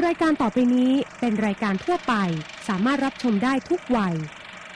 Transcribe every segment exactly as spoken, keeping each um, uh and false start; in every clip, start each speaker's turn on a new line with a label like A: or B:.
A: รายการต่อไปนี้เป็นรายการทั่วไปสามารถรับชมได้ทุกวัย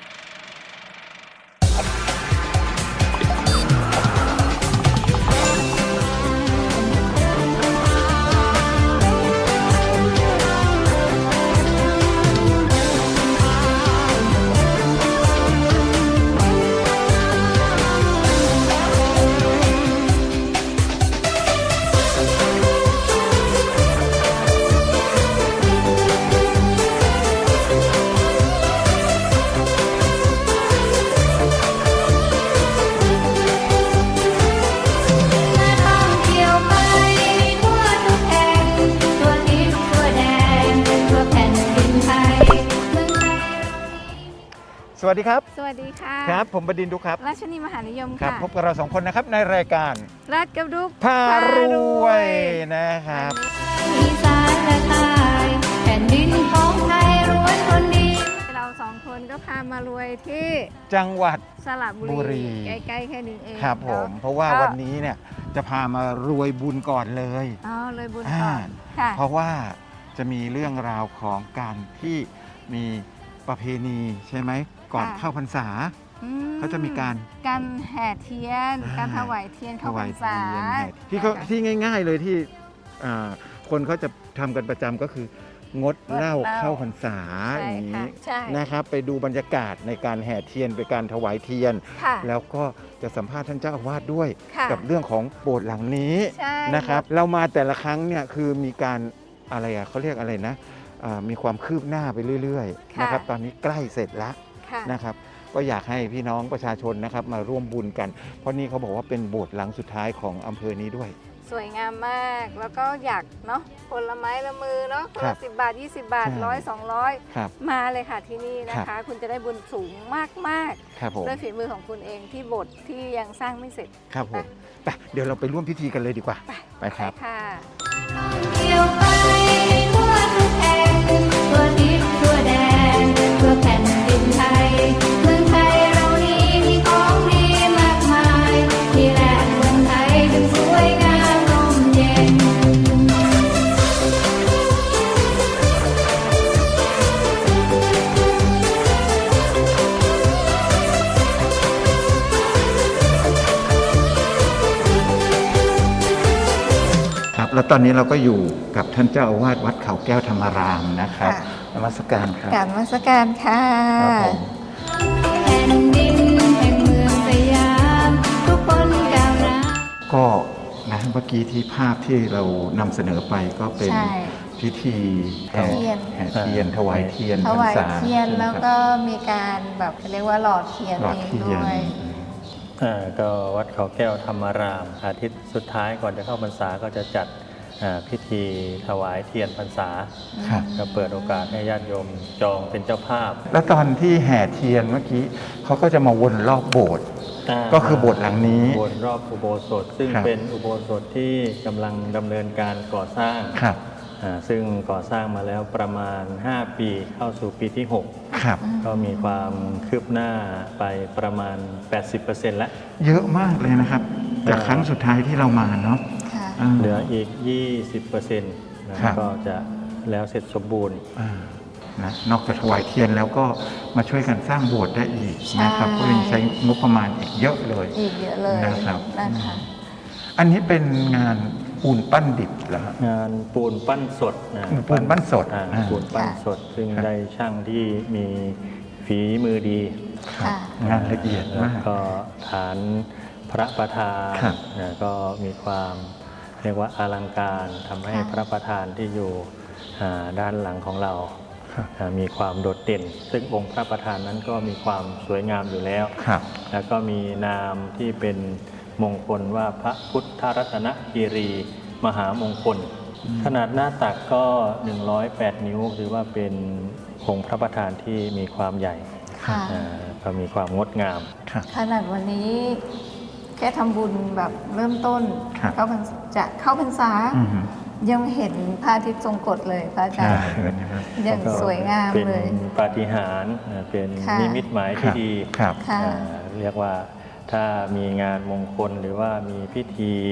B: สวัสดีครับ
C: สวัสดีค่ะ
B: ครับผมบดินทร์ดุครับ
C: ราชนีมหานิยม
B: ครับ
C: ค่ะ
B: พบกับเราสองคนนะครับในรายการ
C: รัดกับดุก
B: พารวยนะครับ
C: อีสานและใต้แผ่นดินของไทยรวยคนดีเราสองคนก็พามารวยที่
B: จังหวัด
C: สระบุรีใกล้ๆแค่นี้เอง
B: ครับผมเพราะว่าวันนี้เนี่ยจะพามารวยบุญก่อนเลย
C: อ๋อรวยบุญก่อน
B: ค่ะเพราะว่าจะมีเรื่องราวของการที่มีประเพณีใช่ไหมก่อนเข้าพรรษาเขาจะมีการ
C: การแห่เทียนการถวายเทียนเข้าพรรษา
B: ที่เขาที่ง่ายๆเลยที่คนเขาจะทำกันประจำก็คืองดเหล้าเข้าพรรษาอย่างนี้นะครับไปดูบรรยากาศในการแห่เทียนไปการถวายเทียนแล้วก็จะสัมภาษณ์ท่านเจ้าอาวาสด้วยกับเรื่องของโบสถ์หลังนี้นะครับเรามาแต่ละครั้งเนี่ยคือมีการอะไรอ่ะเขาเรียกอะไรนะมีความคืบหน้าไปเรื่อยๆนะครับตอนนี้ใกล้เสร็จแล้วนะครับก็อยากให้พี่น้องประชาชนนะครับมาร่วมบุญกันเพราะนี่เขาบอกว่าเป็นโบสถ์หลังสุดท้ายของอำเภอนี้ด้วย
C: สวยงามมากแล้วก็อยากเนาะผลไม้ละมือเนาะคนละสิบบาทยี่สิบบาทร้อยสองร้อยมาเลยค่ะที่นี่นะคะคุณจะได้บุญสูงมากๆด้วยฝีมือของคุณเองที่โบสถ์ที่ยังสร้างไม่เสร็จ
B: ครับผมไปเดี๋ยวเราไปร่วมพิธีกันเลยดีกว่าไปครับ
C: ค่ะเที่ยวไปทั่วทุกแห่งทั่วทิศทั่วแดนทั่วแผ่นดินไทยเมืองไทยเรานี้มีของดีมากมายที่แหละเมืองไทยถึงสวยงามร่มเย็น
B: ครับแล้วตอนนี้เราก็อยู่กับท่านเจ้าอาวาสวัดเขาแก้วธรรมารามนะครับนมัสการครับ
C: กราบนมัสการค่ะแผ่นดินแห่งเมืองสยามทุกคนก้าวหน้า
B: ก็นะเมื่อกี้ที่ภาพที่เรานำเสนอไปก็เป็นพิธีแห่เทียนถวายเทียน
C: ถวายเทียนแล้วก็มีการแบบเรียกว่าหลอดเทียนเองด้วย
D: ก็วัดเขาแก้วธรรมารามอาทิตย์สุดท้ายก่อนจะเข้าพรรษาก็จะจัดพิธีถวายเทียนพรรษาก็เปิดโอกาสให้ญาติโยมจองเป็นเจ้าภาพ
B: แล้วตอนที่แห่เทียนเมื่อกี้เขาก็จะมาวนรอบโบสถ์ก็คือโบสถ์หลังนี้
D: วนรอบอุโบสถซึ่งเป็นอุโบสถที่กำลังดำเนินการก่อสร้างซึ่งก่อสร้างมาแล้วประมาณห้าปีเข้าสู่ปีที่หกก็มีความคืบหน้าไปประมาณ แปดสิบเปอร์เซ็นต์ แล้ว
B: เยอะมากเลยนะครับจากครั้งสุดท้ายที่เรามาเนาะ
D: เหลืออีก ยี่สิบเปอร์เซ็นต์ ก็จะแล้วเสร็จสมบูรณ์
B: นะนอกจากถวายเทียนแล้วก็มาช่วยกันสร้างโบสถ์ได้อีกนะครับก็ยังใช้งบประมาณอีกเยอะเลย
C: อีกเยอะเลย
B: นะครับอันนี้เป็นงานปูนปั้นดิบเหรอง
D: านปูนปั้นสดนะ
B: ปูนปั้นสด
D: ปูนปั้นสดซึ่งได้ช่างที่มีฝีมือดี
B: งานละเอียดมาก
D: ก็ฐานพระประธานนะก็มีความเรียกว่าอลังการทำให้พระประธานที่อยู่ด้านหลังของเรามีความโดดเด่นซึ่งองค์พระประธานนั้นก็มีความสวยงามอยู่แล้วแล้วก็มีนามที่เป็นมงคลว่าพระพุทธรัตนคีรีมหามงคลขนาดหน้าตักก็หนึ่งร้อยแปดนิ้วถือว่าเป็นองค์พระประธานที่มีความใหญ่ก็มีความงดงาม
C: ขนาดวันนี้แค่ทำบุญแบบเริ่มต้นเข้าพรรษาจะเข้าพรรษายังเห็นพระอาทิตย์ทรงกฎเลยพระอาจารย์ยังสวยงามเลย
D: เป็นปาฏิหาริย์เป็นนิมิตหมายที่ดีเรียกว่าถ้ามีงานมงคลหรือว่ามีพิธี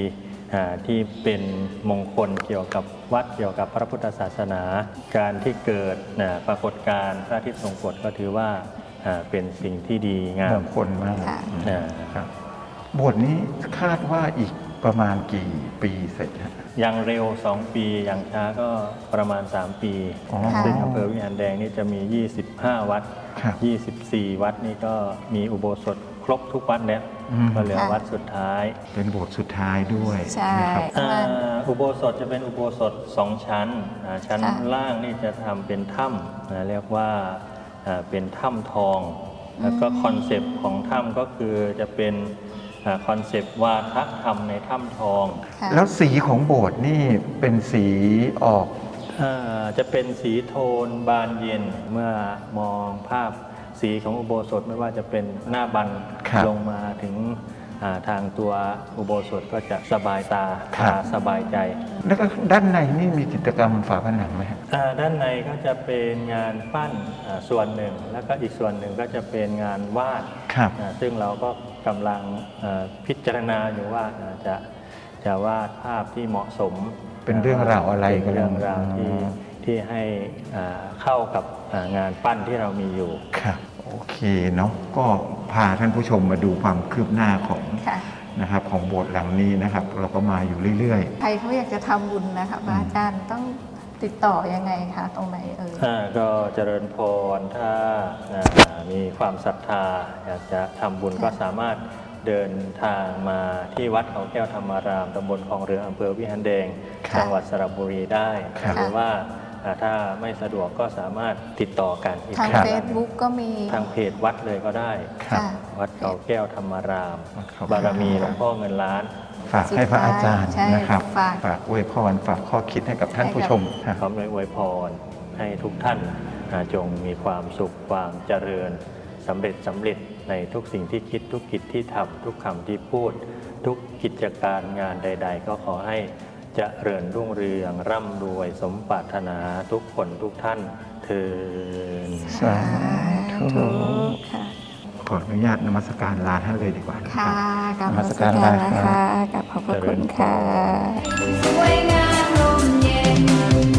D: ที่เป็นมงคลเกี่ยวกับวัดเกี่ยวกับพระพุทธศาสนาการที่เกิดปรากฏการณ์พระอาทิตย์ทรงกฎก็ถือว่าเป็นสิ่งที่ดีงาม
B: มงคลมาก
D: ครับ
B: โบสถ์นี้คาดว่าอีกประมาณกี่ปีเสร็จฮะ
D: อย่างเร็วสองปีอย่างช้าก็ประมาณสามปี
B: อ๋อ
D: ซึ่งอำเภอวิหารแดงนี่จะมียี่สิบห้าวัด
B: ครับ
D: ยี่สิบสี่วัดนี่ก็มีอุโบสถครบทุกวัดแล้ว
B: อืม
D: ก็เหลือวัดสุดท้าย
B: เป็นโบสถ์สุดท้ายด้วย
C: ใช่
B: นะครับ
D: อ่าอุโบสถจะเป็นอุโบสถสองชั้นอ่าชั้น
C: ค่ะ
D: ล่างนี่จะทำเป็นถ้ำนะเรียกว่าอ่าเป็นถ้ำทอง แล้วก็คอนเซปต์ของถ้ำก็คือจะเป็นคอนเซปต์วาทธรรมในถ้ำทอง
C: ค่ะ
B: แล้วสีของโบสถ์นี่เป็นสีออก
D: อ่าจะเป็นสีโทนบานเย็นเมื่อมองภาพสีของอุโบสถไม่ว่าจะเป็นหน้าบัน
B: ครับ
D: ลงมาถึงอ่าทางตัวอุโบสถก็จะสบายตา
B: ครับ
D: ตาสบายใจ
B: แล้วก็ด้านในนี่มีจิตรกรรมฝาผนังไหมฮะ
D: อ่าด้านในก็จะเป็นงานปั้นอ่าส่วนหนึ่ง แล้วก็อีกส่วนหนึ่งก็จะเป็นงานวาด
B: ครับ
D: อ่าซึ่งเราก็กำลังอ่าพิจารณาอยู่ว่าอ่าจะจะวาดภาพที่เหมาะสม
B: เป็นเรื่องราวอะไร
D: เป็นเรื่องราว
B: กำลัง
D: ที่ที่ให้อ่าเข้ากับอ่างานปั้นที่เรามีอยู่
B: ครับโอเคเนาะก็พาท่านผู้ชมมาดูความคืบหน้าของ
C: ค่ะ
B: นะครับของโบสถ์หลังนี้นะครับ เราก็มาอยู่เรื่อย
C: ใครเขาอยากจะทำบุญนะคะพระอาจารย์ต้องติดต่อยังไงคะตรงไหนเอ่ย
D: อ่าก็เจริญพรถ้าอ่ามีความศรัทธาอยากจะทำบุญก็สามารถเดินทางมาที่วัดเขาแก้วธรรมารามตำบลคลองเรืออำเภอวิหารแดง
C: ค่ะ
D: จังหวัดสระบุรีได้
B: ครับ
D: หรือว่าอ่าถ้าไม่สะดวกก็สามารถติดต่อกันอีก
C: ทาง
D: ครั้ง
C: เฟซบุ๊กก็มี
D: ทางเพจวัดเลยก็ได้
B: ๆครับ
C: ค่ะ
D: วัดเขาแก้วธรรมาราม
B: วัดเขาแก้ว
D: บารมีหลวงพ่อเงินล้าน
B: ฝากให้พระอาจารย์
C: ใช่
B: นะครับ
C: ฝาก
B: ฝากอวยพรฝากข้อคิดให้กับท่านผู้ชมครับ
D: พร้อมด้วยอวยพรให้ทุกท่านอ่าจงมีความสุขความเจริญสำเร็จสำเร็จในทุกสิ่งที่คิดทุกกิจที่ทำทุกคำที่พูด ทุกกิจการงานใด ๆ ก็ขอให้เจริญรุ่งเรืองร่ำรวยสมปรารถนาทุกคนทุกท่านเทิน
B: สาธุ
C: ค่ะ
B: ขออนุญาตนมัสการลาท่านเลยดีกว่านะค
C: ค่ะ
B: รับ
C: กับ
B: น
C: น
B: มั
C: มั
B: ส
C: ส
B: การ
C: การ
B: ลา
C: นะ
B: ครั
C: คะ
B: บ
C: กับขอบพระคุณค่ะสวยงามลมเย็น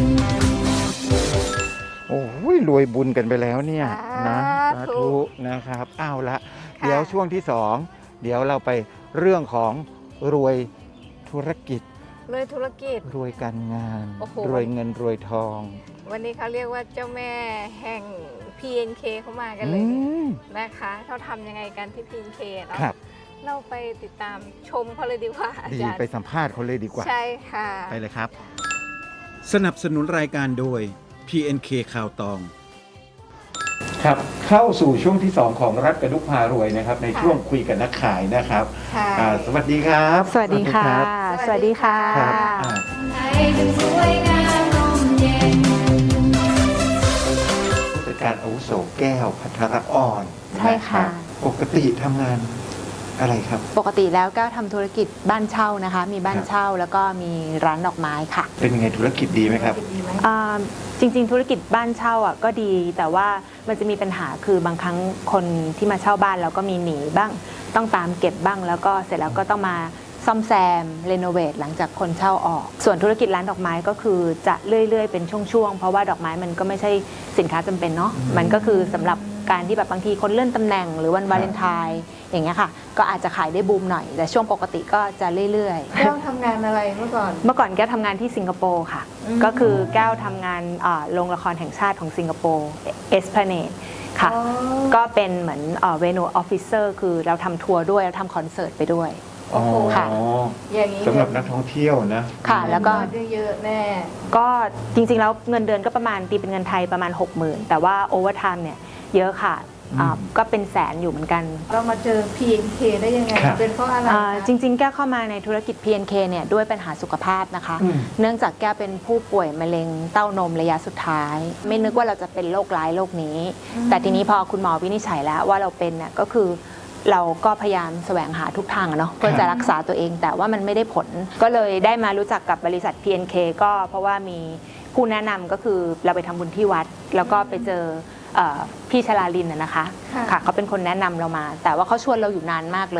B: โอ้ยรวยบุญกันไปแล้วเนี่ยนะ
C: สา
B: สา
C: ธุ
B: ธุนะครับเอาละ
C: ค่ะ
B: เดี๋ยวช่วงที่สองเดี๋ยวเราไปเรื่องของรวยธุรกิจ
C: เลยธุรกิจ
B: รวยการงาน
C: โอ้โห
B: รวยเงินรวยทอง
C: วันนี้เขาเรียกว่าเจ้าแม่แห่ง พี เอ็น เค เข้ามากันเล
B: อื
C: ย
B: ม
C: นะคะเขาทำยังไงกันที่ พี เอ็น เค เนาะ
B: ครับ
C: เราไปติดตามชมเขาเลยดีกว่าอา
B: ดี
C: จารย์
B: ไปสัมภาษณ์เขาเลยดีกว่า
C: ใช่ค่ะ
B: ไปเลยครับ สนับสนุนรายการโดย พี เอ็น เค ข่าวตอง ครับ เข้าสู่ช่วงที่สองของรัฐกระดุกพารวยนะครับ ใน
C: ค่ะ
B: ช่วงคุยกับนักขายนะครับ
C: ค่ะ
B: อ่าสวัสดีครับ
E: สวัสดีค่ะ
B: รับ
E: สวัสดีค่ะ
B: ครับอ่า
C: ไทยจึงสวยงามลมเย็น
B: ผู้จัดการอาวุโสแก้วพัทรอ่อน
E: ใช่ค่ะ
B: นรับปกติทำงานอะไรครับ
E: ปกติแล้วก็ทำธุรกิจบ้านเช่านะคะ มีบ้านเช่าแล้วก็มีร้านดอกไม้ค่ะ
B: เป็นไงธุรกิจดีไหมครับ
C: ดีไหม
E: อ่าจริงๆ ธุรกิจบ้านเช่าอ่ะก็ดี แต่ว่ามันจะมีปัญหาคือบางครั้งคนที่มาเช่าบ้านเราก็มีหนีบ้าง ต้องตามเก็บบ้าง แล้วก็เสร็จแล้วก็ต้องมาซ่อมแซมรีโนเวทหลังจากคนเช่าออก ส่วนธุรกิจร้านดอกไม้ก็คือจะเรื่อยๆเป็นช่วงๆ เพราะว่าดอกไม้มันก็ไม่ใช่สินค้าจำเป็นเนาะ มันก็คือสำหรับการที่แบบบางทีคนเลื่อนตำแหน่งหรือวันวาเลนไทน์อย่างเงี้ยค่ะ ก็อาจจะขายได้บูมหน่อย แต่ช่วงปกติก็จะเรื่อยๆ
C: แก้วทำงานอะไรเมื่อก่อน
E: เมื่อก่อนแก้วทำงานที่สิงคโปร์ค่ะ
C: อืม
E: ก็คือแก้วทำงานอ่าโรงละครแห่งชาติของสิงคโปร์เอสพลาเนดค่ะ
C: อ๋อ
E: ก็เป็นเหมือนเวนูออฟฟิเซอร์คือเราทำทัวร์ด้วยเราทำคอนเสิร์ตไปด้วย
B: อ๋อ
E: ค่ะ
C: อย่างนี้
B: สำหรับนักท่องเที่ยวนะ
E: ค่ะแล้วก็
C: เงินเยอะๆแน่
E: ก็จริงๆแล้วเงินเดือนก็ประมาณตีเป็นเงินไทยประมาณ หกหมื่น แต่ว่าโอเวอร์ไทม์เนี่ยเยอะค่ะอ่า
B: อืม
E: ก็เป็นแสนอยู่เหมือนกัน
C: เรามาเจอ พี เอ็น เค ได้ยังไง
B: ครับ
C: เป็นเพราะอะไร
E: อ่า
C: คะ
E: จริงๆ แก้วเข้ามาในธุรกิจ พี เอ็น เค เนี่ยด้วยปัญหาสุขภาพนะคะ
B: อืม
E: เนื่องจากแก้วเป็นผู้ป่วยมะเร็งเต้านมระยะสุดท้าย ไม่นึกว่าเราจะเป็นโรคร้ายโรคนี้ แต่ทีนี้พอคุณหมอวินิจฉัยแล้วว่าเราเป็นเนี่ยก็คือเราก็พยายามแสวงหาทุกทางอะเนาะเพื่อจะรักษาตัวเองแต่ว่ามันไม่ได้ผล ก็เลยได้มารู้จักกับบริษัท พี เอ็น เค ก็เพราะว่ามีผู้แนะนำก็คือเราไปทำบุญที่วัด แล้วก็ไปเจอเอ่อพี่ชลาลินน่ะนะคะ
C: ค่ะ
E: ค่ะเขาเป็นคนแนะนำเรามา แต่ว่าเขาชวนเราอยู่นานมากเลย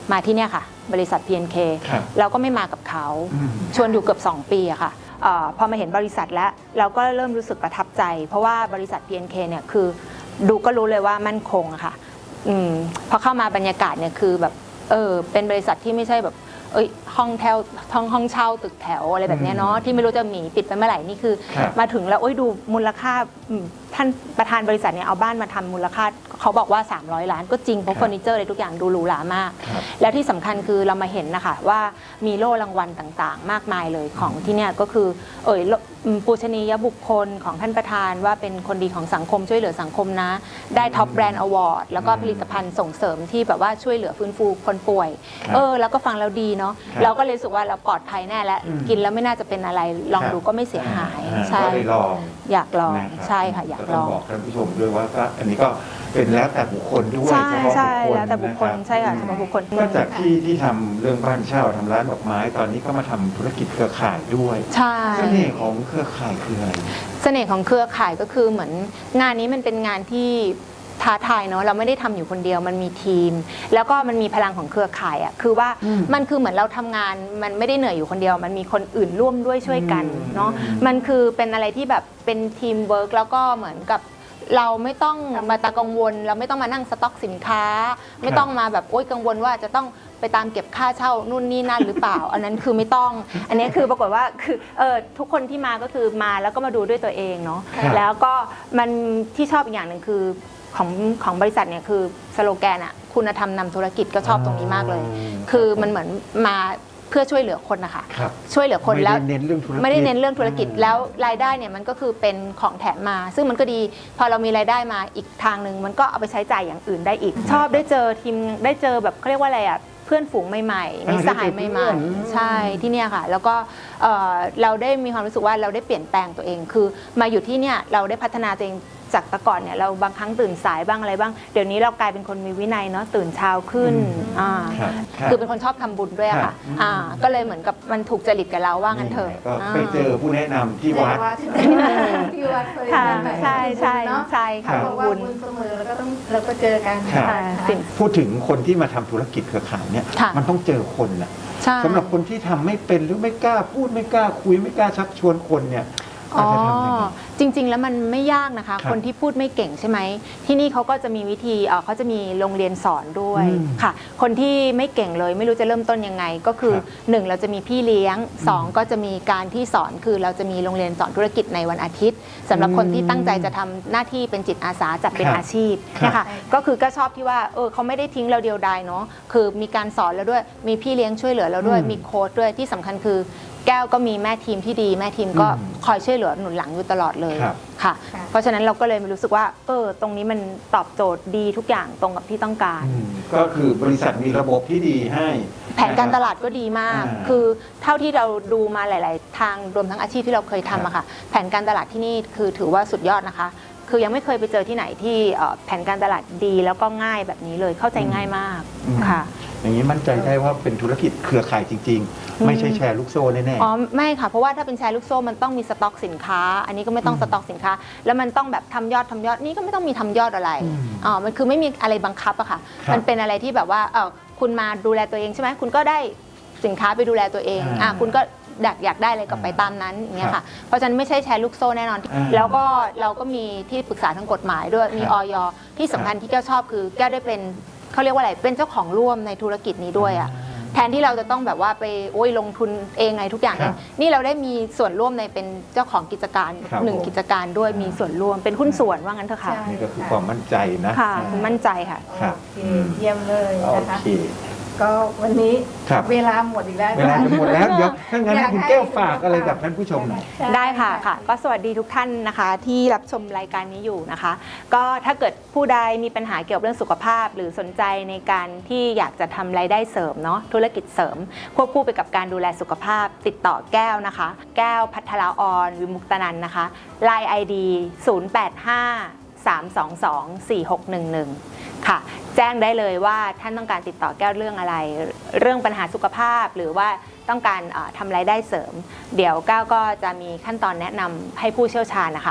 E: มาที่เนี่ยค่ะบริษัท พี เอ็น เค
B: ครับ
E: เราก็ไม่มากับเขา
B: อืม
E: ชวนอยู่เกือบสองปีอะค่ะเออพอมาเห็นบริษัทแล้วเราก็เริ่มรู้สึกประทับใจ เพราะว่าบริษัท พี เอ็น เค เนี่ยคือดูก็รู้เลยว่ามั่นคงอะค่ะอมพอเข้ามาบรรยากาศเนี่ยคือแบบเออเป็นบริษัทที่ไม่ใช่แบบเอ้ยห้องแถวห้องห้องเช่าตึกแถวอะไรแบบเนี้ยเนาะที่ไม่รู้จะหนีปิดไปเมื่อไหร่นี่คือ
B: ครับ
E: มาถึงแล้วโอ้ยดูมูลค่าอืมท่านประธานบริษัทเนี่ยเอาบ้านมาทำมูลค่าเขาบอกว่าสามร้อยล้านก็จริงเพราะเฟอร์นิเจอร์อะไรทุกอย่างดูหรูหรามาก
B: ครับ
E: แล้วที่สำคัญคือเรามาเห็นนะคะว่ามีโล่รางวัลต่างๆ มากมายเลยของที่เนี่ยก็คือเอ่ยอืมปูชนียบุคคลของท่านประธานว่าเป็นคนดีของสังคมช่วยเหลือสังคมนะ ได้ท็อปแบรนด์อวอร์ดแล้วก็ผลิตภัณฑ์ส่งเสริมที่แบบว่าช่วยเหลือฟื้นฟูคนป่วย
B: ครับ
E: เออแล้วก็ฟังแล้วดีเนาะ
B: ครับ
E: เราก็เลยรู้สึกว่าเราปลอดภัยแน่แล้ว
B: อืม
E: กินแล้วไม่น่าจะเป็นอะไรลอง
B: ครับ
E: ดูก็ไม่เสียหาย
B: อ่า
E: ใช่
B: ก็เลยลอง
E: อยากลอง
B: นะครับ
E: ใช่ค่ะอยากล
B: ต้
E: อ
B: อง
E: ง
B: บอกท่านผู้ชมด้วยว่าก็อันนี้ก็เป็นแล้วแต่บุคคลด้วย
E: ใช่
B: เฉพาะ
E: ใช่
B: บุคคล
E: แล้วแต่บุคคล
B: นะรับ
E: ใช่ค่ะเฉพาะบุคคล
B: ก็จากที่ที่ทำเรื่องบ้านเช่าทำร้านดอกไม้ตอนนี้ก็มาทำธุรกิจเครือข่ายด้วย
E: ใช่
B: เสน่ห์ของเครือข่ายคืออะไร
E: เสน่ห์ของเครือข่ายก็คือเหมือนงานนี้มันเป็นงานที่ท้าทายเนาะเราไม่ได้ทำอยู่คนเดียวมันมีทีม แล้วก็มันมีพลังของเครือข่ายอ่ะคือว่า
B: อืม
E: มันคือเหมือนเราทำงานมันไม่ได้เหนื่อยอยู่คนเดียว มันมีคนอื่นร่วมด้วยช่วยกัน
B: อืม
E: เนาะมันคือเป็นอะไรที่แบบเป็นทีมเวิร์กแล้วก็เหมือนกับเราไม่ต้องมาตากังวล เราไม่ต้องมานั่งสต็อกสินค้า ไม่ต้องมาแบบโอ๊ยกังวลว่าจะต้องไปตามเก็บค่าเช่านู่นนี่นั่นหรือเปล่า อันนั้นคือไม่ต้อง อันนี้คือปรากฏว่าคือเออทุกคนที่มาก็คือมาแล้วก็มาดูด้วยตัวเองเนาะ
B: ครับ
E: แล้วก็มันที่ชอบอีกอย่างหนึ่งคือของของบริษัทเนี่ยคือสโลแกนอะคุณธรรมนำธุรกิจก็ชอบตรงนี้มากเลย คือมันเหมือนมาเพื่อช่วยเหลือคนนะคะ
B: ครับ
E: ช่วยเหลือคนแล้ว
B: ไม่ได้เน้นเรื่องธุรกิจ
E: ไม่ได้เน้นเรื่องธุรกิจ
B: อืม
E: แล้วรายได้เนี่ยมันก็คือเป็นของแถมมา ซึ่งมันก็ดีพอเรามีรายได้มาอีกทางหนึ่งมันก็เอาไปใช้จ่ายอย่างอื่นได้อีก ชอบได้เจอทีมได้เจอแบบเขาเรียกว่าอะไรอะเพื่อนฝูงใหม่ๆมีสหายใหม่ๆใช่ที่เนี่ยค่ะ แล้วก็เอ่อเราได้มีความรู้สึกว่าเราได้เปลี่ยนแปลงตัวเอง คือมาอยู่ที่เนี่ยเราได้พัฒนาตัวเองจากแต่ก่อนเนี่ยเราบางครั้งตื่นสายบ้างอะไรบ้างเดี๋ยวนี้เรากลายเป็นคนมีวินัยเนาะตื่นเช้าขึ้นอ่า
B: ครับรับ
E: คือเป็นคนชอบทำบุญด้วยอะค่ะ
B: ครับ
E: อ่าก็เลยเหมือนกับมันถูกจริตกับเราว่างั้นเถอะ
B: ก็ไปเจอผู้แนะนำที่วัด
C: ที่วัดเคย
E: ค่ะ
C: ไป
E: ใช่ใช่
C: เนาะ
E: ใช่ค่ะ
C: เขาบอกว่า
E: บุญ
C: บุญเสมอแล้วก็ต้องเราก็เจอกัน
B: ครับ
E: ค่ะ
C: ค่ะ
E: สิ่ง
B: พูดถึงคนที่มาทำธุรกิจเครือข่ายเนี่ย
E: ค่ะ
B: มันต้องเจอคนนะ
E: ใช่
B: สำหรับคนที่ทำไม่เป็นหรือไม่กล้าพูดไม่กล้าคุยไม่กล้าชักชวนคนเนี่ยอา
E: อ๋
B: จ
E: อ
B: จะทำยังไง
E: จริง ๆ แล้วมันไม่ยากนะคะ
B: ครับ
E: คนที่พูดไม่เก่งใช่ไหมที่นี่เขาก็จะมีวิธีเอ่อเขาจะมีโรงเรียนสอนด้วย
B: อืม
E: ค่ะ คนที่ไม่เก่งเลยไม่รู้จะเริ่มต้นยังไง ก็คือ
B: ครับ
E: หนึ่งเราจะมีพี่เลี้ยงสองก็จะมีการที่สอนคือเราจะมีโรงเรียนสอนธุรกิจในวันอาทิตย์สำหรับคนที่ตั้งใจจะทำหน้าที่เป็นจิตอาสาจัดเป็น
B: ครับ
E: อาชีพ
B: ครับ
E: นะคะก็คือก็ชอบที่ว่าเออเขาไม่ได้ทิ้งเราเดียวดายเนาะคือมีการสอนแล้วด้วยมีพี่เลี้ยงช่วยเหลือเราด้วย
B: อืม
E: มีโค้ชด้วยที่สำคัญคือแก้วก็มีแม่ทีมที่ดีแม่ทีมก็
B: อืม
E: คอยช่วยเหลือหนุนหลังอยู่ตลอดเลย
B: ครับ
E: ค่ะ
C: ค่ะ
E: เพราะฉะนั้นเราก็เลยรู้สึกว่าเออตรงนี้มันตอบโจทย์ดีทุกอย่างตรงกับที่ต้องการ
B: อืมก็คือบริษัทมีระบบที่ดีให้
E: แผนการตลาดก็ดีมาก
B: อ่า
E: คือเท่าที่เราดูมาหลาย ๆ ทางรวมทั้งอาชีพที่เราเคยทำอะค่ะ แผนการตลาดที่นี่คือถือว่าสุดยอดนะคะ คือยังไม่เคยไปเจอที่ไหนที่เอ่อแผนการตลาดดีแล้วก็ง่ายแบบนี้เลยเข้าใจง่ายมาก
B: อืม
E: ค่ะ
B: อย่างนี้มั่นใจได้ว่าเป็นธุรกิจเครือข่ายจริง
E: อืม
B: ๆ ไม่ใช่แชร์ลูกโซ่แน่
E: อ๋อไม่ค่ะ เพราะว่าถ้าเป็นแชร์ลูกโซ่มันต้องมีสต็อกสินค้า อันนี้ก็ไม่ต้องสต็อกสินค้า แล้วมันต้องแบบทำยอดทำยอดนี่ก็ไม่ต้องมีทำยอดอะไร
B: อืม
E: อ๋อมันคือไม่มีอะไรบังคับอะค่ะ
B: ครับ
E: มันเป็นอะไรที่แบบว่าเออคุณมาดูแลตัวเองใช่ไหมคุณก็ได้สินค้าไปดูแลตัวเอง
B: อ่า
E: อ่ะคุณก็อยากอยากได้อะไรก็ไปตามนั้นอย่างเงี้ย
B: ครั
E: ค่ะ
B: บ
E: เพราะฉะนั้นไม่ใช่แชร์ลูกโซ่แน่นอน
B: อ่า
E: แล้วก็เราก็มีที่ปรึกษาทางกฎหมายด้วยมี
B: ครับ
E: ออยที่สำคัญที่แก้วชอบคือแก้วได้เป็นเขาเรียกว่าอะไรเป็นเจ้าของร่วมในธุรกิจนี้ด้วยอะแทนที่เราจะต้องแบบว่าไปโอ้ยลงทุนเองไงทุกอย่าง
B: ค
E: เอ
B: รั
E: ง
B: บ
E: นี่เราได้มีส่วนร่วมในเป็นเจ้าของกิจการ
B: ครับ
E: หนึ่ง
B: ผม
E: กิจการด้วยมีส่วนร่วมเป็นหุ้นส่วนว่างั้นเถอะค่ะ
C: ใช่
B: นี่ก็คือความมั่นใจนะ
E: ค่ะมั่นใจค่ะ
B: ครับ
C: โอเคเยี่ยมเลย
B: โอ
C: นะคะ
B: เค
C: ก็วันนี้
B: ครับ
C: เวลาหมดอีกแล้ว
B: เวลาจะหมดแล้วเดี๋ยวถ้างั้น
C: อยาก
B: คุณ
C: ให้
B: แก้วฝากอะไรกับท่านผู้ชมหน่อย
C: ใช่
E: ได้ค่ะค่ะ ก็สวัสดีทุกท่านนะคะที่รับชมรายการนี้อยู่นะคะ ก็ถ้าเกิดผู้ใดมีปัญหาเกี่ยวกับเรื่องสุขภาพ หรือสนใจในการที่อยากจะทำรายได้เสริมเนาะธุรกิจเสริม ควบคู่ไปกับการดูแลสุขภาพ ติดต่อแก้วนะคะ แก้วพัทราออนวิมุกตนันนะคะ ไลน์ ไอ ดี ศูนย์ แปด ห้า สาม สอง สอง สี่ หก หนึ่ง หนึ่ง ค่ะแจ้งได้เลยว่าท่านต้องการติดต่อแก้วเรื่องอะไร เรื่องปัญหาสุขภาพหรือว่าต้องการเอ่อทำรายได้เสริม เดี๋ยวแก้วก็จะมีขั้นตอนแนะนำให้ผู้เชี่ยวชาญนะคะ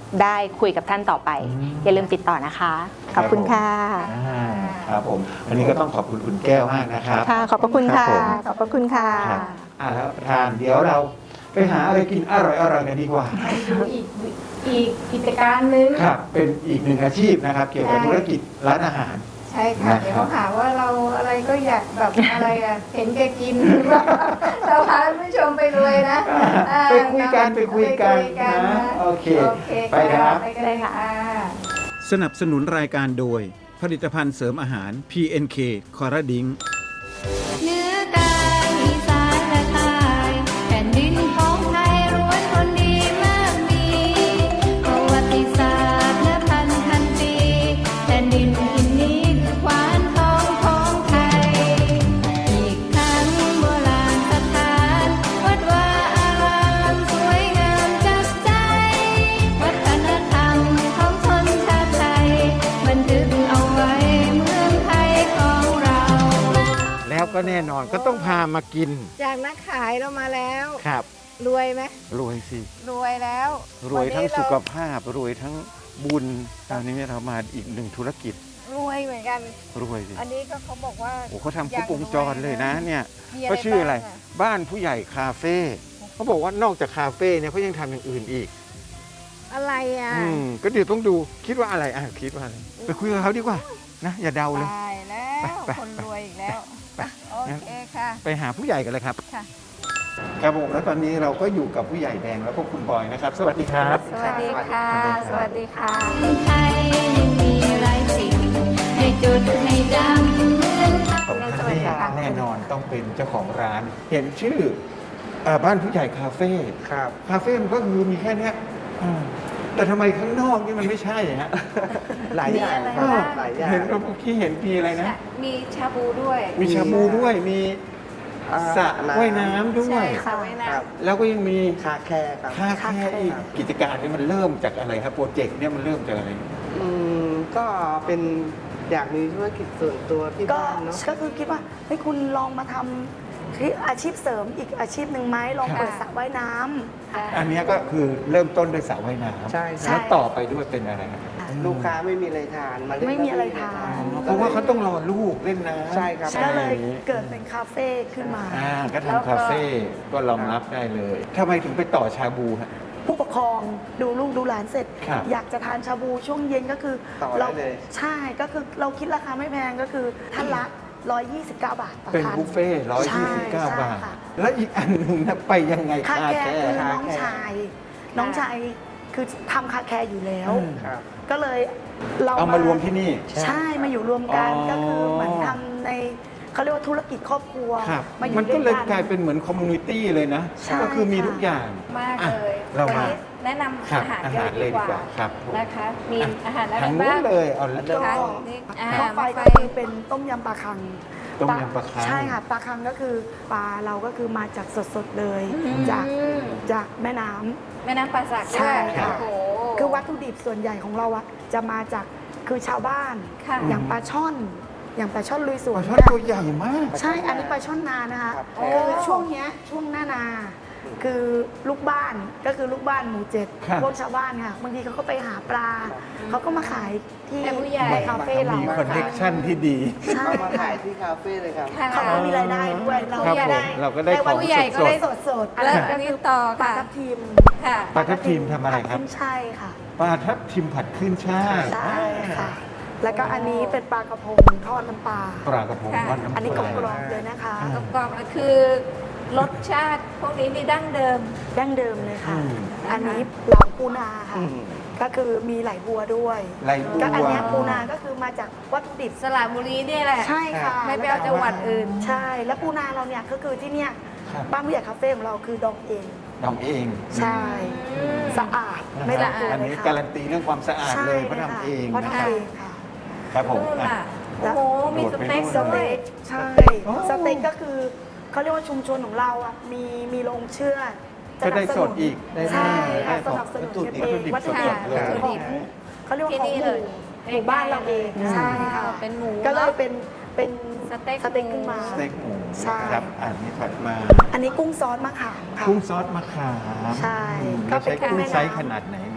E: ได้คุยกับท่านต่อไป อย่าลืมติดต่อนะคะ ขอบคุณค่ะ
B: อ่าครับผมอันนี้ก็ต้องขอบคุณคุณแก้วมากนะครับ
E: ค่ะ ขอบพระคุณค่ะ
B: ครับผม
E: ขอบพระคุณค่ะ
B: ครับอ่าแล้วประธานเดี๋ยวเราไปหาอะไรกินอร่อยๆกันดีกว่า
F: ดูอีกอีกกิจการหนึ่ง
B: ครับเป็นอีกหนึ่งอาชีพนะครับ เกี่ยวกับ
F: ใช่
B: ธุรกิจร้านอาหาร
F: ใช่ค่ะ
B: นะครับ
F: เดี๋ยวเขาหาว่าเราอะไรก็อยากแบบ อะไรอะเห็นแกกิน เราพาท่านผู้ชมไปรวยนะอ่า
B: ไปคุยกันไปคุยกัน
F: ไปคุยกัน
B: นะ
F: นะ
B: โอเค
F: โอเค
B: ไปครับ
F: ไปกันเลยค่ะ
B: สนับสนุนรายการโดย ผลิตภัณฑ์เสริมอาหาร พี เอ็น เค คอร์ดิง
C: เหนือกลางอีสานและใต้แผ่นดินของไทยรวมคนดีมากมีประวัติศาสตร์และพันพันปีแผ่นดินอินนี้คือขวานทองของไทย อีกทั้งโบราณสถานวัดวาอารามสวยงามจับใจ วัฒนธรรมของชนชาติไทยบันทึกเอาไว้เมืองไทยของเรา
B: แล้วก็แน่นอนก็ต้องพามากิน
F: จากนักขายเรามาแล้ว
B: ครับ
F: รวยไหม
B: รวยสิ
F: รวยแล้ว
B: รวยทั้ง
F: นนี้
B: สุ
F: เา
B: ขภาพ รวยทั้งบุญตอนนี้เรามาอีกหนึ่งธุรกิจ
F: รวยเหมือนกัน
B: รวยสิ
F: อันนี้ก็เขาบอกว่า
B: โอ้เขาทำครบวงจรเลยนะเนี่ย
F: มี
B: เขาชื่ออะไร
F: บ้าง
B: บ้านผู้ใหญ่คาเฟ่เขาบอกว่านอกจากคาเฟ่เนี่ยเขายังทำอย่างอื่นอีก
F: อะไรอ่ะ
B: อืมก็เดี๋ยวต้องดูคิดว่าอะไรอ่ะคิดว่าอะไรไปคุยกับเขาดีกว่านะอย่าเดาเลย
F: ตายแล้ว
B: ไปไป
F: คนรวยอีกแล้ว
B: ไป
F: โอเคค่ะ
B: ไปหาผู้ใหญ่กันเลยครับ
F: ค่ะ
B: ครับผมแล้วตอนนี้เราก็อยู่กับผู้ใหญ่แดงแล้วก็คุณบอยนะครับ สวัสดีครับ
F: สวัสดีค่ะ สวัสดีค่ะ
C: ไทยยังมีหลายสิ่ง ให้จดให้จำเหมือน
B: ของท่านนี่แน่นอนต้องเป็นเจ้าของร้าน เห็นชื่อเอ่อบ้านผู้ใหญ่คาเฟ่
G: ครับ
B: คาเฟ่มันก็คือมีแค่เนี้ยอ่าแต่ทำไมข้างนอกนี่มันไม่ใช่ฮะ
G: หลายอย่าง
F: มีอะไร
G: ครับ
F: บ้าง
G: หลายอย่าง
B: เห็นเมื่อกี้เห็นมีอะไรนะ
F: มีชาบูด้วย
B: มีชาบูด้วยมี
G: อ่า
B: สระว่ายน้ำด้ว
F: ใช่
B: ย
F: ค่ะไว้
G: ค
F: นะ
G: รับ
B: แล้วก็ยังมี
G: คาแคร์ครับ
B: ค่าแค่อีกกิจการนี่มันเริ่มจากอะไรครับโปรเจกต์เนี่ยมันเริ่มจากอะไร
G: อืมก็เป็นอยากมีธุรกิจส่วนตัวที่
H: ก็
G: บ้านเนาะ
H: ก็คือคิดว่าเฮ้ยคุณลองมาทำที่อาชีพเสริมอีกอาชีพหนึ่งไหมลอง
F: ค่ะ
H: เปิดสระว่ายน้ำค่ะ
B: อันเนี้ยก็คือเริ่มต้นด้วยสระว่ายน้ำ
G: ใช่
H: ใช่
B: แล้วต่อไปด้วยเป็นอะไรครับ
G: ลูกค้าไม่มีอะไรทานมาเล่น
H: ไม่มีอะไรทาน
B: เพราะว่าเขาต้องรอลูกเล่นน้ำ
G: ใช่ครับ
H: ก็เลยเกิดเป็นคาเฟ่ขึ้นมา
B: อ่าก็ทำคาเฟ่ก็รองรับได้เลยทำไมถึงไปต่อชาบูฮะ
H: ผู้ปกครองดูลูกดูหลานเสร็จ
B: ครับ
H: อยากจะทานชาบูช่วงเย็นก็คือ
G: ต่อได้
H: เรา
G: เลย
H: ใช่ก็คือเราคิดราคาไม่แพงก็คือท่านละ หนึ่งร้อยยี่สิบเก้า บาทต่อ
B: เป็น
H: ท่าน
B: บุฟเฟ่ร้อยยี่สิบเก้า
H: ใช่
B: บาท
H: ค่ะ
B: แล้วอีกอันหนึ่งนะไปยังไง
H: คาแคร์คือ
B: คา
H: น้อง
B: แคร์
H: ชาย น้องชายคือทำคาแคร์อยู่แล้ว
B: อืม
G: ครับ
H: ก็เลยเรา
B: เอามารวมที่นี่
H: ใช่มาอยู่รวมกัน
B: อ๋อ
H: ก็คือเหมือนทำในเขาเรียกว่าธุรกิจครอบครัว
B: ครับ
H: มาอยู่
B: มันก็
H: ด้
B: เล
H: วย
B: ย
H: กัน
B: กลายเป็นเหมือนคอมมูนิตี้เลยนะ
H: ใช่
B: ก็คือมี
H: ค่ะ
B: ทุกอย่าง
F: มาก
B: อ่ะ
F: เลย
B: เรา
F: วัน
B: มา
F: นี้แนะนำ
B: ครับ
F: อาหาร
B: อา
F: กัน
B: หาร
F: เลยดีกว่า
B: เลยดีกว่าครับผม
F: นะคะ มี
B: อ่ะ
F: อาหารอะไร
B: ทางนู้
F: บ้าน ง
B: เลยเอา
H: ก็
F: คะนี่อ่า
H: ข้าวไฟ
F: มา
H: ก็
F: ไฟ
H: คือเป็นต้มยำปลาคัง
B: ต้มยำปลาคัง
H: ใช่ค่ะปลาคังก็คือปลาเราก็คือมาจากสดๆเลย
F: อืม
H: จากจากแม่น้ำ
F: แม่น้ำป่าสัก
H: ใช่
F: ด้วย
H: ค่ะ
F: โอ้โห
H: คือวัตถุดิบส่วนใหญ่ของเราอะจะมาจากคือชาวบ้าน
F: ค่ะ
H: อย่างปลาช่อน อย่างปลาช่อนลุยส
B: ป
H: วน
B: ลาช่อน
H: เนี่ย
B: ตัวใหญ่มาก
H: ใช่ อันนี้ปลาช่อนนานะคะ
G: ครับ
H: คือช่วงเนี้ยช่วงหน้านา คือลูกบ้านก็คือลูกบ้านหมู่เจ็ด
B: ครับ
H: พวกชาวบ้านค่ะบางทีเขาก็ไปหาปลา เขาก็มาขายที่
F: แต่ผู้ใหญ่
H: ในคาเฟ่เรา
B: มีคอนเนคชั่นที่ดี
H: ใช่
G: เอามาขายที่คาเฟ่เลยครับ
F: ค่ะ
H: เขาก็มีรายได้ด้วยเรา
B: ครับ
H: ก็
B: ผม
H: ได้
B: เราก็ได้ของ
F: ผู้ใหญ่ก็ได้
H: สดสดๆอัน
F: แล้ว
H: นั้น
F: อั
H: ก็
F: นนี้
H: คือ
F: ต่อ
H: ปลา
F: ค่ะ
H: ทับทิม
F: ค่ะ
B: ปลาทับทิมทำอะไรครับ
H: ผัดขึ้นช่ายค่ะ
B: ปลาทับทิมผัดขึ้นช่าย
H: ใช่ค่ะ แล้วก็อันนี้เป็นปลากระพงทอดน้ำปลา
B: ปลากระพง
F: ค่ะ
B: วันน้ำ
H: อันนี้ก
B: ป
H: ร
B: ลา
H: อบๆเลยนะคะ
F: กรอบๆก็คือรสชาติพวกนี้นี่ดั้งเดิม
H: ดั้งเดิมเลยค่ะ
B: อืม
H: อันนี้เหลาปูนาค่ะ
G: อืม
H: ก็คือมีไหลบัวด้วย
B: ไหลบัว
H: ก็อันเนี้ยปูนาก็คือมาจากวัตถุดิบ
F: สระบุรีเนี่ยแหละ
H: ใช่ค่ะ
F: ไม่ไปเอาจังหวัดอื่น
H: ใช่ แล้วปูนาเราเนี่ยก็คือที่เนี่ย
B: ครับ
H: บ้านผู้ใหญ่คาเฟ่ของเราคือดองเอง
B: ดองเอง
H: ใใช่ สะอาด ไม่ต้องกลัว
B: อัน
H: เลย
B: นี้
H: ค่ะ
B: การันตีเรื่องความสะอาดเลยเพราะ
H: ใช่
B: ทำเอง
H: เพราะ
B: นะ
H: ทำ
B: ครับ
H: เองค่ะ
B: ครับผม
F: นู่น
B: อ่ะ
F: น่ะโอ้โห มีสเต็ก
B: โด
H: ส
B: ดไป
F: ด้ว
H: เต็
F: ย
H: กใช่
B: โอ้
H: สเต็กก็คือเขาเรียกว่าชุมชนของเราอ่ะมีมีโรงเชื่อด
B: ก็ได้สดอีกได้
H: ใช่ค่ะ
B: ได้
H: สนับสนุน
B: วัตถุ
H: กัน
B: ดิบ
H: เองวัตถุดิบ
B: สดๆเลย
H: ของเขาเรียกว่า
F: ที่
H: ของ
F: นี่
H: ห
F: เล
H: มู่
F: ย
H: หมู่บ้านเราเองใช่ค่ะ
F: เป็นหมู
H: ก็เลยเป็นเป็น
F: สเต็ก
H: สเต็กขึ้นมา
B: สเต็กหมู
H: ใช่
B: ครับอันนี้ถัดมา
H: อันนี้กุ้งซอสมะขามค่ะ
B: กุ้งซอสมะขาม
H: ใช่
B: อืม
H: ก็
B: เรา
H: เป็น
B: ใช้กุ้ง
H: แม่น้ำ
B: ไซส์ขนาดไหนเนี่ย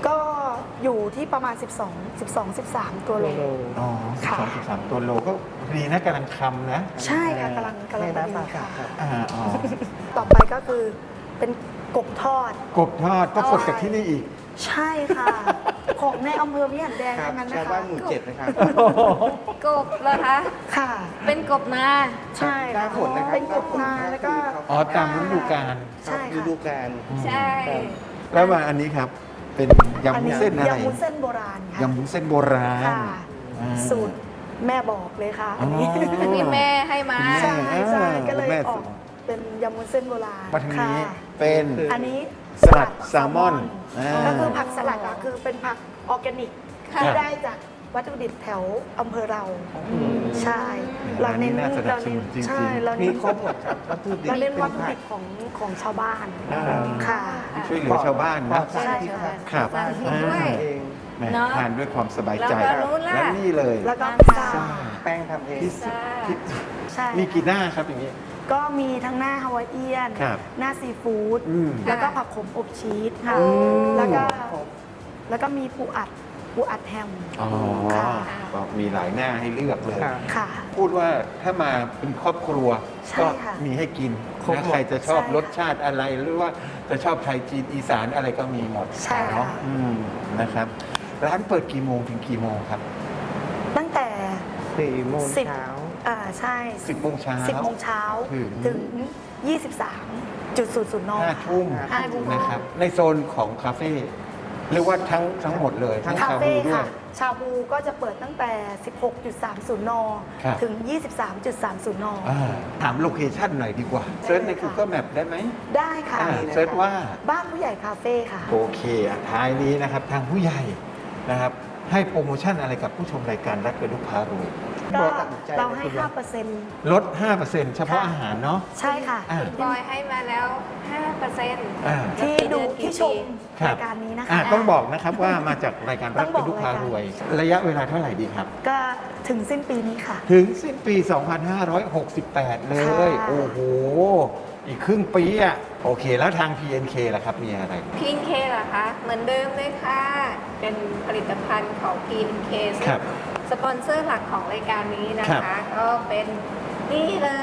H: ก็อยู่ที่ประมาณ สิบสอง สิบสอง สิบสาม ตัวโล
B: อ๋อสิบ
H: ค่ะ
B: สองสิบสามตัวโลก็ดีนะกำลังคำนะ
H: ใช่ค่ะกำลังกำลัง
G: ใน
H: พอ
G: น้ำ
H: ดี
G: ปลา
H: ค่ะ
G: ครับ
B: อ่าอ๋อ
H: ต่อไปก็คือเป็นกบทอด
B: กบทอดก็กดจากที่นี่อีก
H: ใช่ค่ะ ของในอำเภอวิหารแดง
G: ครับ
H: ทั้งนั้น
G: ชาว
H: นะคะ
G: บ้านหมู่เจ็ดนะครับ
F: กบเหรอคะ
H: ค่ะ
F: เป็นกบนา
H: ใช่
G: หน้า
H: ค่ะ
G: ฝนนะครับ
H: เป็นกบนาแล้วก็
B: อ๋อตามฤดูกาล
H: ใช่
G: ฤ
H: ค่ะ
G: ดูกาล
F: ใช่
B: แล้วมาอันนี้ครับ เป็นยำ
H: อัน
B: วุ้น
H: นี้
B: เส้นอะไร
H: ยำวุ้นเส้นโบราณค่ะ
B: ยำวุ้นเส้นโบราณ
H: ค่ะ
B: อ่า
H: สูตรแม่บอกเลยค่ะอันนี้
B: อ๋อ
F: อันนี้แม่ให้มา
B: คุณแม่
H: ใช่ใช่ก็เลย
B: แม่
H: อ
B: สู
H: อก
B: ตร
H: เป็นยำวุ้นเส้นโบราณ
B: มาทางนี้
H: ค่ะ
B: เป็น
H: อันนี้
B: สลัดแซลมอนอ่า
H: ก็คือผักสลัดอะคือเป็นผักออร์แกนิก
F: ค่ะ
H: ที่ได้จากวัตถุดิบแถวอำเภอเรา ใช่
B: ร้านนี้น่าสนับสนุนจริงๆ
H: ใช่เรา
G: มี
H: เน้น
G: ครบหมดครับวัตถุดิบ
H: เราเน้น
G: เป็
H: วัตถุ
G: ผั
H: ดิ
G: ก
H: บของของชาวบ้าน
B: อ่า
H: ค่ะ
B: ที่ช่วยเหลือชาวบ้านนะ
G: ใช่
H: ใช่
G: ครับ
B: ครับ
F: สร้างที่ด้วย
G: เอง
B: แหม่
F: เนอะ
B: ทานด้วยความสบายใจ
F: แล้วก็รู้ล่ะ
B: และนี่เลย
H: แล้วก็
F: ร้าน
H: พิซซ่า
F: ซ่า
G: แป้งทำเอง
B: พิซซ่าพิซ
H: ใช่
B: มีกี่หน้าครับอย่างนี้
H: ก็มีทั้งหน้าฮาวายเอียน
B: ครับ
H: หน้าซีฟู้ด
B: อืม
H: แล้วก็ผักขมอบชีสค่ะ
B: อืม
H: แล้วก็แล้วก็มีปูอัดปูอัดแฮม
B: อ๋อ
H: ค่ะ
B: ก็มีหลายหน้าให้เลือกเลย
G: ครับ
H: ค่ะ
B: พูดว่าถ้ามาเป็นครอบครัว
H: ใช่
B: ก็
H: ค่ะ
B: มีให้กิน
G: ครบหม
B: นะ
G: ด
B: ใครจะชอบ
H: ใช่ค่ะ
B: รสชาติอะไรหรือว่าจะชอบไทยจีนอีสานอะไรก็มีหมด
H: ใช่ค่ะ
B: เนาะอืมนะครับ ร้านเปิดกี่โมงถึงกี่โมงครับ
H: ตั้งแต่
G: สี่โมง
H: สิบ
G: เช้า
H: อ่าใช่
B: สิบโมงเช้า
H: สิบโมงเช้า
B: ถึง
H: ถึงยี่สิบสามจุดศูนย์ศูนย์น
B: ห้าทุ่ม
H: ห้าทุ่ม
B: นะครับ ในโซนของคาเฟ่เรียกว่าทั้งทั้งหมดเลย ทั้ง
H: คา
B: ชา
H: เฟ่
B: บูด้ว
H: ค่ะ
B: ย
H: ชาบูก็จะเปิดตั้งแต่ สิบหกจุดสามศูนย์ น
B: ครับ
H: ถึง ยี่สิบสามจุดสามศูนย์ น
B: อ่าถามโลเคชั่นหน่อยดีกว่าเซิร์ชใน Google Map ได้ไหม
H: ได้ค่ะ
B: อ่าเซิร์ชว่า
H: บ้านผู้ใหญ่คาเฟ่ค่ะ
B: โอเคอ่ะท้ายนี้นะครับทางผู้ใหญ่นะครับ ให้โปรโมชั่นอะไรกับผู้ชมรายการรักกระดุกพารวย
H: ก็
G: ตัดสินใจ
H: เราให้
G: เลยคุณ
H: ห้าเปอร์เซ็นต์
B: ลด ห้าเปอร์เซ็นต์ เฉพาะอาหารเนาะ
H: ใช่ค่ะ
B: อ่า
F: บอยให้มาแล้ว ห้าเปอร์เซ็นต์
B: อ่า
H: ที่ดูที่ชม
B: ครับ
H: รายการนี้นะคะ
B: อ่ะต้องบอกนะครับว่ามาจากรายการรักกระดุกพารวย ระยะเวลาเท่าไหร่ดีครับ
H: ก็ถึงสิ้นปีนี้ค่ะ
B: ถึงสิ้นปี สองพันห้าร้อยหกสิบแปด เลย
H: ค่ะ
B: โอ้โห อีกครึ่งปีอ่ะ โอเค แล้วทาง พี เอ็น เค ล่ะครับ มีอะไร
F: พี เอ็น เค เหรอคะ เหมือนเดิมเลยค่ะ เป็นผลิตภัณฑ์ของ พี เอ็น เค ซึ่ง
B: ครับ
F: สปอนเซอร์หลักของรายการนี้นะ
B: ครั
F: คะ
B: บ
F: ก็เป็นนี่เลย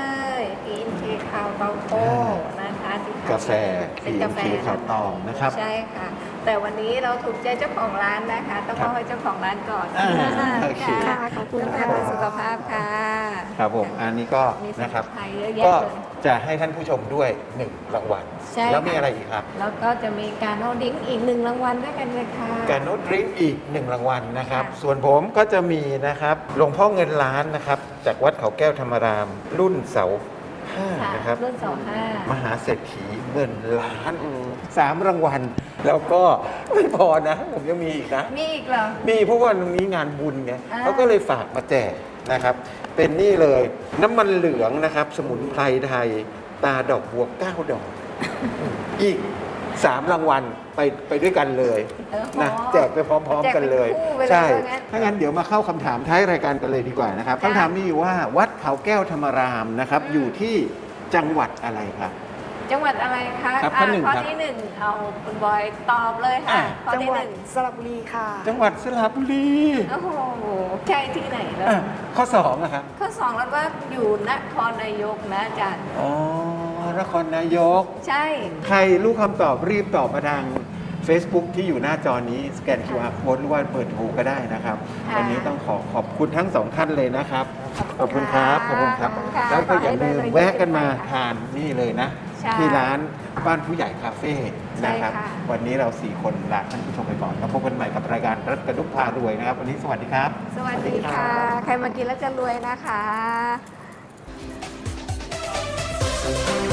F: พี เอ็น เค คาวเตาโต้นะคะที่ขย
B: กาแฟ
F: เป็นกาแฟ
B: พี เอ็น เค ขาวตองนะครับ
F: ใช่ค่ะ แต่วันนี้เราถูกใจเจ้าของร้านนะคะ ต้อง
B: ครั
F: ม
B: บ
F: อบให้เจ้าของร้านก่อน
B: อ่าโอเค
F: ค่ะ
H: ขอบคุณ
F: กาแฟ
H: ค่ะ
F: เพื่อสุขภาพค่ะ
B: ครับผม อันนี้ก็
F: มีสมุ
B: นะครับ
F: นไพรเยอะแยะ
B: ก็
F: เลย
B: จะให้ท่านผู้ชมด้วยหนึ่งรางวัล
F: ใช่
B: แล้วมี
F: ค่ะ
B: อะไรอีกครับ
F: แล้วก็จะมีการโนดิ้งอีกหนึ่งรางวัลด้วยกันเลยค่ะ
B: การโน้ตดริงก์อีกหนึ่งรางวัลนะครับ
F: ค่ะ
B: ส่วนผมก็จะมีนะครับหลวงพ่อเงินล้านนะครับ จากวัดเขาแก้วธรรมาราม รุ่นเสาห้า
F: ค่ะ
B: นะครับ
F: รุ่นสองห้าม
B: หาเศรษฐีเงินล้านสามรางวัล แล้วก็ไม่พอนะ ผมยังมีอีกนะ
F: มีอีกเหรอ
B: มีเพราะว่าตรงนี้งานบุญไง
F: อ่า
B: เขาก็เลยฝากมาแจกนะครับ เป็นนี่เลยน้ำมันเหลืองนะครับ สมุนไพรไทย ตาดอกบัวเก้าดอก อีกสามรางวัลไปไปด้วยกันเลย
F: เออ
B: นะ
F: อ๋อ
B: แจกไปพร้อม ๆ กันเลย
F: แจกเป็นคู่ไปเลย
B: ใช่
F: ว่างั้น
B: ถ้างั้นเดี๋ยวมาเข้าคำถามท้ายรายการกันเลยดีกว่านะครับ
F: ค่ะ
B: คำถามมีอยู่ว่าวัดเขาแก้วธรรมารามนะครับ
F: อืม
B: อยู่ที่จังหวัดอะไรครับ
F: จังหวัดอะไรคะ
B: ครับข้อหนึ่ง
F: ข้อ
B: ครับ
F: ที่หนึ่งเอาคุณบอยตอบเลยค่ะ
B: อ่ะ
F: ข้อ
H: จัง
F: ที่
H: หวั
F: ห
H: ด
F: นึ่ง
H: สระบุรีค่ะ
B: จังหวัดสระบุรี
F: โอ้โหใช่ที่ไหนแล้ว
B: อ่ะข้อสองนะครับ
F: ข้อสองแล้วก็อยู่นครนายกนะอาจารย์
B: อ๋อนครนายก
F: ใช่
B: ใครรู้คำตอบรีบตอบมาทาง Facebook ที่อยู่หน้าจอนี้สแกน คิว อาร์ Code หรือว่าเปิดโทรก็ได้นะครับ
F: ค่ะ
B: วันนี้ต้องขอขอบคุณทั้งสองท่านเลยนะครับ ขอบคุณครับ ขอบคุณครับ
F: ขอบคุณค่ะ
B: แล้วก็อย่าลืม
F: ขอให้เดินๆ
B: แวะกันมา
F: ค่ะ
B: ทานนี่เลยนะ
F: ใช่
B: ที่ร้านบ้านผู้ใหญ่คาเฟ่นะครับ
F: ใช่ค่ะ
B: วันนี้เราสี่คนลาท่านผู้ชมไปก่อนแล้วพบกันใหม่กับรายการรัฐกระดุกพารวยนะครับ วันนี้สวัสดีครับ
F: สวัสดีค่ะ ใครมากินแล้วจะรวยนะคะ